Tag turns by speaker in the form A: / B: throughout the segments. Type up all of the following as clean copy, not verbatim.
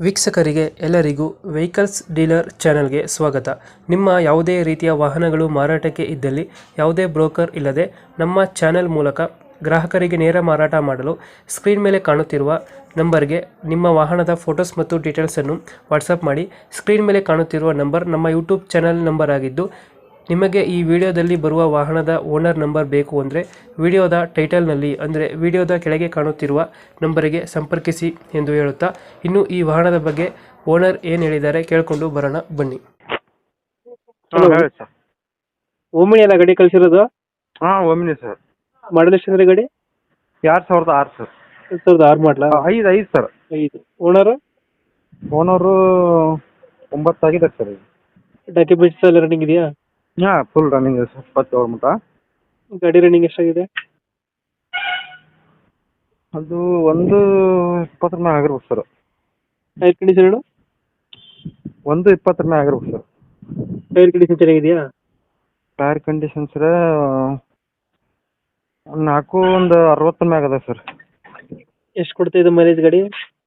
A: ವೀಕ್ಷಕರಿಗೆ ಎಲ್ಲರಿಗೂ vehicles dealer ಚಾನೆಲ್ಗೆ ಸ್ವಾಗತ. ನಿಮ್ಮ ಯಾವುದೇ ರೀತಿಯ ವಾಹನಗಳು ಮಾರಾಟಕ್ಕೆ ಇದ್ದಲ್ಲಿ ಯಾವುದೇ ಬ್ರೋಕರ್ ಇಲ್ಲದೆ ನಮ್ಮ ಚಾನೆಲ್ ಮೂಲಕ ಗ್ರಾಹಕರಿಗೆ ನೇರ ಮಾರಾಟ ಮಾಡಲು ಸ್ಕ್ರೀನ್ ಮೇಲೆ ಕಾಣುತ್ತಿರುವ ನಂಬರ್ಗೆ ನಿಮ್ಮ ವಾಹನದ ಫೋಟೋಸ್ ಮತ್ತು ಡೀಟೇಲ್ಸನ್ನು ವಾಟ್ಸಪ್ ಮಾಡಿ. ಸ್ಕ್ರೀನ್ ಮೇಲೆ ಕಾಣುತ್ತಿರುವ ನಂಬರ್ ನಮ್ಮ ಯೂಟ್ಯೂಬ್ ಚಾನೆಲ್ ನಂಬರ್ ಆಗಿದ್ದು, ನಿಮಗೆ ಈ ವಿಡಿಯೋದಲ್ಲಿ ಬರುವ ವಾಹನದ ಓನರ್ ನಂಬರ್ ಬೇಕು ಅಂದರೆ ವಿಡಿಯೋದ ಟೈಟಲ್ನಲ್ಲಿ ಅಂದರೆ ವಿಡಿಯೋದ ಕೆಳಗೆ ಕಾಣುತ್ತಿರುವ ನಂಬರಿಗೆ ಸಂಪರ್ಕಿಸಿ ಎಂದು ಹೇಳುತ್ತಾ, ಇನ್ನು ಈ ವಾಹನದ ಬಗ್ಗೆ ಓನರ್ ಏನು ಹೇಳಿದ್ದಾರೆ ಕೇಳಿಕೊಂಡು ಬರೋಣ ಬನ್ನಿ.
B: ಹೇಳಿ ಸರ್.
A: ಓಮಿನಿ ಅಲ್ಲ ಗಾಡಿ ಕಳಿಸಿರೋದು?
B: Omni sir.
A: ಮಾಡಲ್ ಎಷ್ಟು ಅಂದ್ರೆ ಗಾಡಿ?
B: 2006 ಸರ್.
A: 2006 ಮಾಡಲ?
B: 5 ಸರ್.
A: 5. ಓನರು?
B: ಓನರು 9 ಆಗಿದೆ ಸರ್.
A: ಡಾಕ್ಯುಮೆಂಟ್ಸ್ ಎಲ್ಲ ರನ್ನಿಂಗ್ ಇದೆಯಾ?
B: ಫುಲ್ ರನ್ನಿಂಗ್ ಇದೆ ಸರ್. 27 ಮಟ.
A: ಗಾಡಿ ರನ್ನಿಂಗ್ ಎಷ್ಟಾಗಿದೆ?
B: ಅದು 120 ಮ್ಯಾಗ ಆಗಿರ್ಬೇಕು ಸರ್.
A: Tyre condition?
B: 120 ಮ್ಯಾಗ ಆಗಿರ್ಬೇಕು ಸರ್.
A: ಟೈರ್ ಕಂಡೀಷನ್ ಚೆನ್ನಾಗಿದೆಯಾ?
B: ಟೈರ್ ಕಂಡೀಷನ್ ಸರ್ 60 ಮ್ಯಾಗ ಅದ ಸರ್.
A: ಎಷ್ಟು ಕೊಡ್ತಾ ಇದೆ ಮೈಲೇಜ್ ಗಾಡಿ?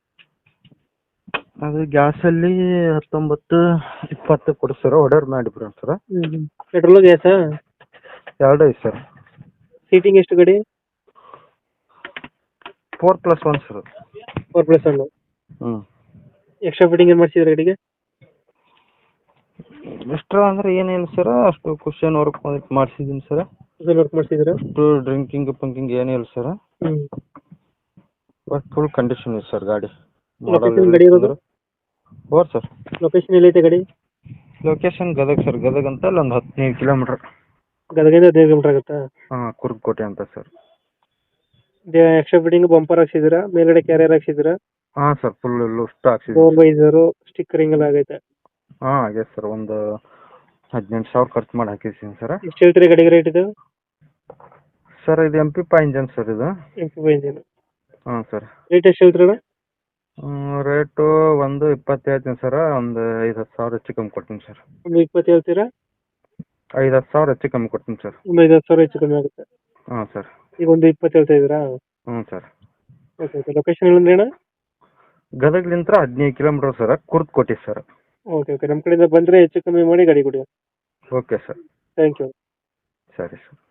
B: ಅದು ಗ್ಯಾಸಲ್ಲಿ 19-20 ಕೊಡಿ ಸರ್. ಹೊಡೆಯರ್ ಮಾಡಿಬಿಡ್ರಿ ಸರ್.
A: ಪೆಟ್ರೋಲ್ ಗ್ಯಾಸಾ?
B: 2 ಐತೆ ಸರ್.
A: ಸೀಟಿಂಗ್ ಎಷ್ಟು ಗಾಡಿ?
B: 4+1 ಸರ್.
A: 4+1. ಎಕ್ಸ್ಟ್ರಾ ಫಿಟ್ಟಿಂಗ್ ಏನು ಮಾಡಿಸಿದ್ರೆ ಗಾಡಿಗೆ?
B: ಎಕ್ಸ್ಟ್ರಾ ಅಂದ್ರೆ ಏನಿಲ್ಲ ಸರ್. ಅಷ್ಟು ಕುಷನ್ ವರ್ಕ್ ಮಾಡಿಸಿದ್ದೀನಿ ಸರ್.
A: ವರ್ಕ್ ಮಾಡಿಸಿದ್ರೆ
B: ಅಷ್ಟು ಡ್ರಿಂಕಿಂಗ್ ಪಂಕಿಂಗ್ ಏನಿಲ್ಲ ಸರ್. ಬಟ್ ಫುಲ್ ಕಂಡೀಷನ್ ಇದೆ ಸರ್ ಗಾಡಿ.
A: ಲೊಕೇಶನ್ ಗಾಡಿ ಇರೋದು?
B: ಹೋರ್ ಸರ್.
A: ಲೊಕೇಶನ್ ಎಲ್ಲೈತೆ ಗಾಡಿ?
B: Location Gadag sir. ಗದಗ ಅಂತ ಅಲ್ಲಿ ಒಂದು 15 ಕಿಲೋಮೀಟರ್.
A: ಗದಗಿಂದ 15 ಕಿಲೋಮೀಟರ್ ಆಗುತ್ತಾ?
B: ಕುರ್ಕೋಟೆ ಅಂತ ಸರ್.
A: ಎಕ್ಸ್ಟ್ರಾ ಫಿಟ್ಟಿಂಗ್ ಬಂಪರ್ ಹಾಕ್ಸಿದ್ದೀರಾ? ಮೇಲ್ಗಡೆ ಕ್ಯಾರಿಯರ್ ಹಾಕ್ಸಿದ್ದೀರಾ?
B: ಸರ್ ಫುಲ್ ಲುಸ್ಟ್ ಹಾಕ್ಸಿದ್ದೀವಿ.
A: ಡೋರ್ ವೈಸರು ಸ್ಟಿಕ್ಕರಿಂಗ್ ಎಲ್ಲ ಆಗೈತೆ?
B: ಆಗೈತೆ ಸರ್. ಒಂದು 18,000 ಖರ್ಚು ಮಾಡಿ ಹಾಕಿದ್ದೀನಿ ಸರ್.
A: ಎಷ್ಟು ಹೇಳ್ತೀರಿ ಗಾಡಿಗೆ ರೇಟ್ ಇದು?
B: ಸರ್ ಇದು MP5 ಇಂಜನ್ ಸರ್. ಇದು
A: MP5 ಇಂಜಿನ್.
B: ಸರ್.
A: ರೇಟ್ ಎಷ್ಟು ಹೇಳ್ತೀರಣ್ಣ?
B: ರೇಟು 120 ಹೇಳ್ತೀನಿ ಸರ್. ಒಂದು 5-10 ಸಾವಿರ ಹೆಚ್ಚು ಕಮ್ಮಿ ಕೊಡ್ತೀನಿ ಸರ್.
A: ಒಂದು 20 ಹೇಳ್ತೀರಾ?
B: 5-10 ಸಾವಿರ ಹೆಚ್ಚು ಕಮ್ಮಿ ಕೊಡ್ತೀನಿ ಸರ್.
A: ಒಂದು 5-10 ಸಾವಿರ ಹೆಚ್ಚು ಕಮ್ಮಿ ಆಗುತ್ತೆ.
B: ಸರ್.
A: ಈಗ ಒಂದು 20 ಹೇಳ್ತಾ ಇದ್ದೀರಾ?
B: ಸರ್.
A: ಓಕೆ. ಲೊಕೇಶನ್ ಏನಂದ್ರೆ ಅಣ್ಣ?
B: ಗದಗ್ಲಿಂದ 15 kilometre sir. Kurtakoti sir.
A: Okay. ನಮ್ಮ ಕಡೆಯಿಂದ ಬಂದರೆ ಹೆಚ್ಚು ಕಮ್ಮಿ ಮಾಡಿ ಗಾಡಿ ಕೊಡಿ.
B: Okay sir.
A: Thank you.
B: ಸರಿ ಸರ್.